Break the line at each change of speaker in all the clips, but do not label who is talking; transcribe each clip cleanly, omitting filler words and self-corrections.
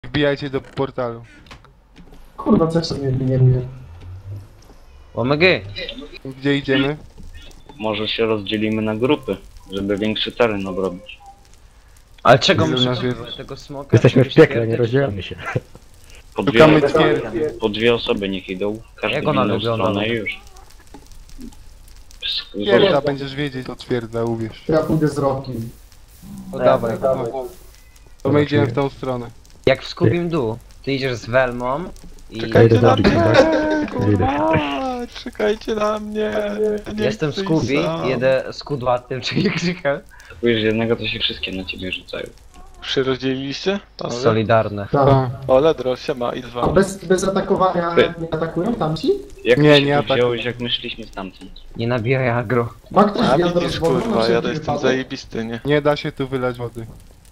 Wbijajcie do portalu.
Kurwa, coś sobie nie mnie.
Omega!
Gdzie idziemy?
Może się rozdzielimy na grupy, żeby większy teren obrobić.
Ale czego
Ilu
muszę
nas jest?
kupować tego smoka?
Jesteśmy w
Żeby
piekle, nie
śmierdzieć?
rozdzielamy się.
Szukamy twierdzy.
Po dwie osoby niech idą, każdy
Jak
w
ona
inną
wygląda?
stronę i już.
Twierdza, będziesz wiedzieć to twierdza, uwierz.
Ja pójdę z Rokiem.
No dawaj, to my idziemy w tą stronę.
Jak w Scooby Doo. Ty idziesz z Velmą i...
Czekajcie na mnie,
Czekajcie na mnie! Nie
Jestem
chcę
Scooby,
iść sam.
jedę z kudłatym, czyli Krzychem.
Atakujesz jednego, to się wszystkie na ciebie rzucają.
Się rozdzieliliście? Panowie?
Solidarne.
Tak.
O, Ledro, siema, i
A
dwa.
bez atakowania nie atakują tamci?
Jak
Nie,
ty się
nie
tu
atakuj.
wziąłeś, jak my szliśmy stamtąd?
Nie nabieraj agro.
Ma ktoś
A
wiadro
widzisz,
z wodą?
kurwa,
na
ja
wszelki
jestem
wypadek?
zajebisty, nie?
Nie da się tu wylać wody.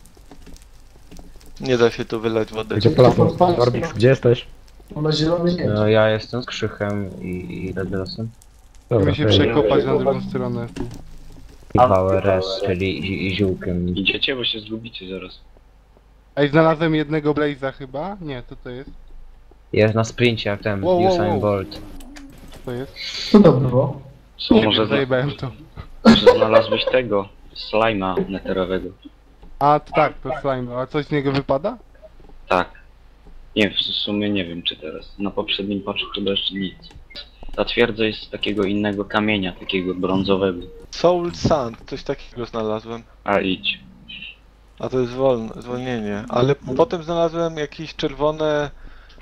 Nie da się tu wylać wody.
Gdzie Platon? Orbix, gdzie jesteś?
Ona zielony nie.
No, ja jestem z Krzychem i Ledrosem.
Dobra,
Musimy się
to jest.
przekopać na drugą stronę.
I VRS, czyli ziółkiem.
Idziecie, bo się zgubicie zaraz.
Ej, znalazłem jednego Blaze'a chyba? Nie, co to jest?
Jest na sprincie jak ten
Wow, wow,
Usain
wow.
Bolt.
Co to jest?
To dobro.
Co,
Nie
może,
wiem, zajebałem to.
może znalazłeś tego, slajma neterowego.
A, tak, to slime. A coś z niego wypada?
Tak. Nie, w sumie nie wiem czy teraz. Na poprzednim patchu chyba jeszcze nic. Ta twierdza jest z takiego innego kamienia, takiego brązowego.
Soul Sand, coś takiego znalazłem.
A idź.
A to jest zwolnienie. Ale potem znalazłem jakieś czerwone...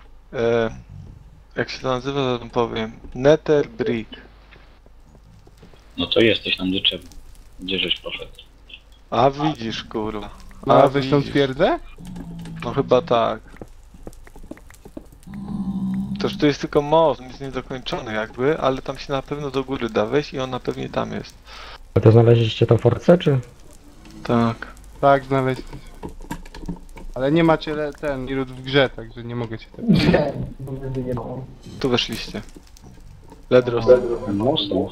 jak się to nazywa, to wam powiem. Nether Brick.
No to jesteś tam gdzie trzeba. Gdzie żeś poszedł?
A widzisz, kurwa. A
Znalazłeś tą
widzisz.
twierdzę?
No chyba tak. Toż tu jest tylko most, nic niedokończony jakby, ale tam się na pewno do góry da wejść i ona pewnie tam jest.
A to znaleźliście tą forcę, czy?
Tak.
Tak, znaleźliś. Ale nie macie ten Mirut w grze, także nie mogę cię tak.
Nie, bo nigdy nie mam.
Tu weszliście. Ledros.
Mocno.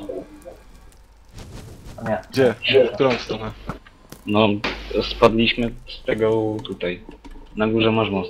Gdzie? W którą stronę?
No, spadliśmy z tego tutaj. Na górze masz most.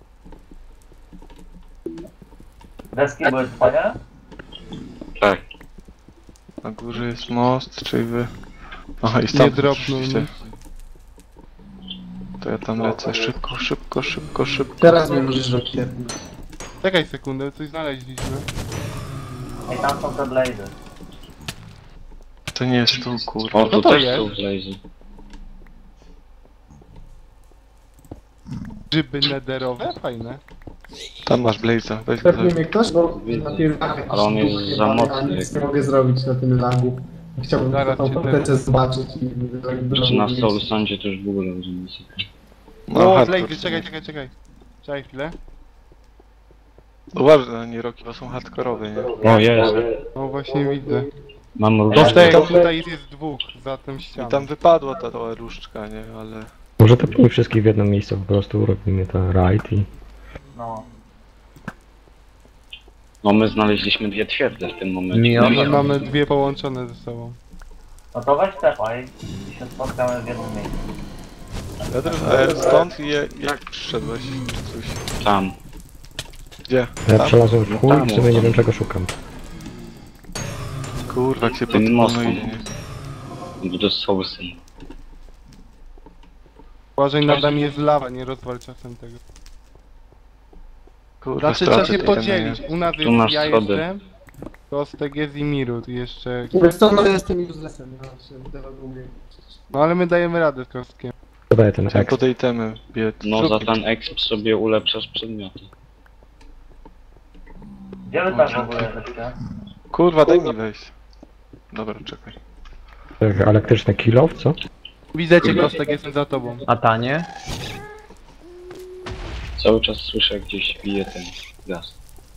Deski były twoje?
Tak.
Na górze jest most, czyli wy... Aha, i
Nie
stamtąd
dropnął
przyszliście.
nic.
To ja tam lecę. Szybko, szybko, szybko, szybko.
Teraz mnie możesz Rokiem.
Czekaj sekundę, coś znaleźliśmy.
I tam są te blazy.
To nie jest tu, kurwa.
O, tu
to
też
jest?
są blazy.
Grzyby nederowe? Fajne.
Tam masz Blaze'a, weź go.
Pewnie mnie ktoś, bo napierdala
Ale on jest
jakiś
za
duch,
mocny.
ja nic nie mogę zrobić na tym lagu. Chciałbym
Zaraz
tą
cię
fortecę zobaczyć i
Jeszcze na Soul Sandzie to już w ogóle będziemy sypać.
No,
O,
hardcore.
Blazy, czekaj. Czekaj chwilę.
Uważaj na nie roki, bo są hardkorowe, nie?
O, jest.
O, właśnie widzę.
Mam
No
różne.
tutaj jest dwóch za tym
I
ścianą.
tam wypadła ta różdżka, nie? Ale...
Może topnij wszystkich w jedno miejsce, po prostu robimy to right i...
No.
No my znaleźliśmy dwie twierdze w tym momencie.
No, my mamy dwie połączone ze sobą.
No to weź tepaj i się spotkamy w jednym miejscu.
Ledros, stąd jak przyszedłeś? Czy coś?
Tam.
Gdzie?
Ja
Tam?
przelazłem w chuj
Tam,
i w sumie nie wiem czego szukam.
Kurwa, jak się
Tym mostem.
podponuję, nie?
Bo to jest Soul Sand.
Uważaj, nad nami jest lawa, nie rozwal czasem tego.
Kurwa,
Znaczy trzeba
stracę
się
te
podzielić.
kamienie.
U nas
Tu
jest
masz
ja
schody.
jestem, Kostek jest i Mirut i jeszcze...
Wiesz co, no jestem uselessem, no się tego umiem.
No ale my dajemy radę z Kostkiem.
To daje ten
Chciałem
ek.
po tej temy biec.
No za ten exp sobie ulepszasz przedmioty.
Gdzie wy tam w ogóle jesteście?
Kurwa, daj mi wejść. Dobra, czekaj.
Elektryczne kill-off, co?
Widzę cię, Kostek, jestem za tobą.
A tanie?
Cały czas słyszę jak gdzieś bije ten gaz.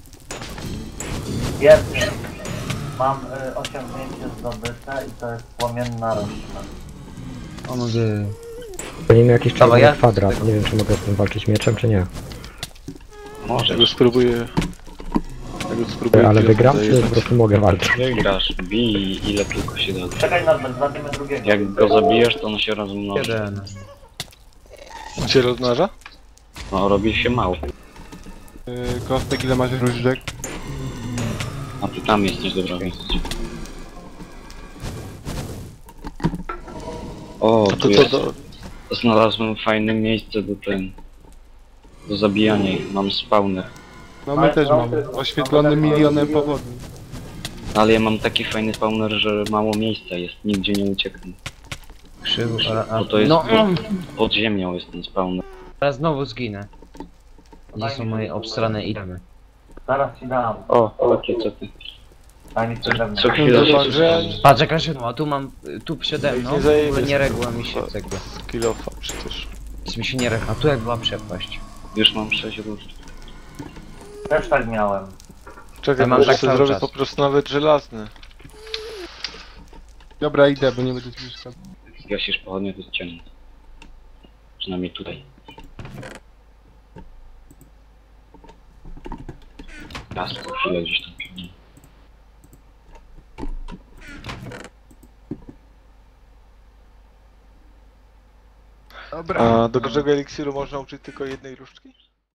Jest. Mam osiągnięcie zdobyte i to jest płomienna roślina.
Omega.
Będziemy jakiś czerwony
ja-
kwadrat, nie wiem czy mogę z tym walczyć mieczem, czy nie.
Może.
Ja go spróbuję... Ja go spróbuję
Ale
kilofem
wygram, czy po
zajebać.
prostu mogę walczyć?
Wygrasz, bij ile tylko się da.
Czekaj na zabijmy drugiego.
Jak go zabijesz, to on się rozmnoży.
Jeden.
On się rozmnaża?
No, robi się mało.
Kostek, ile masz różdżek?
A ty tam jesteś, dobra, więc... O,
A
tu
to
jest...
do...
Znalazłem fajne miejsce do zabijania ich. Mam spawner.
No my też mamy. Oświetlony milionem powodni.
Ale ja mam taki fajny spawner, że mało miejsca jest. Nigdzie nie ucieknę.
Krzywu,
Bo to jest
no,
pod ziemią jest ten spawner.
teraz znowu zginę. Gdzie są moje obstrane itemy?
Zaraz ci dam.
O, takie co ty.
Daj mi przede mną.
Co chwilę
Zobacz,
się
że-
Patrz jaka się a tu mam, tu przede mną,
Nie
w
zajebie
ogóle nie
sobie.
regła mi się tego.
Skillofa przecież.
Nic mi się nie regła, a tu jak była przepaść.
Już mam 6 róż.
Też tak miałem.
Czekaj,
Ja mam
może
tak
sobie
cały
zrobię
czas.
po prostu nawet żelazny.
Dobra, idę, bo nie będę ci przeszkadzał.
Jak zgasisz pochodnie, to jest ciemno. Przynajmniej tutaj. Jasno, chwilę gdzieś tam.
Dobra.
A do każdego eliksiru można użyć tylko jednej różdżki?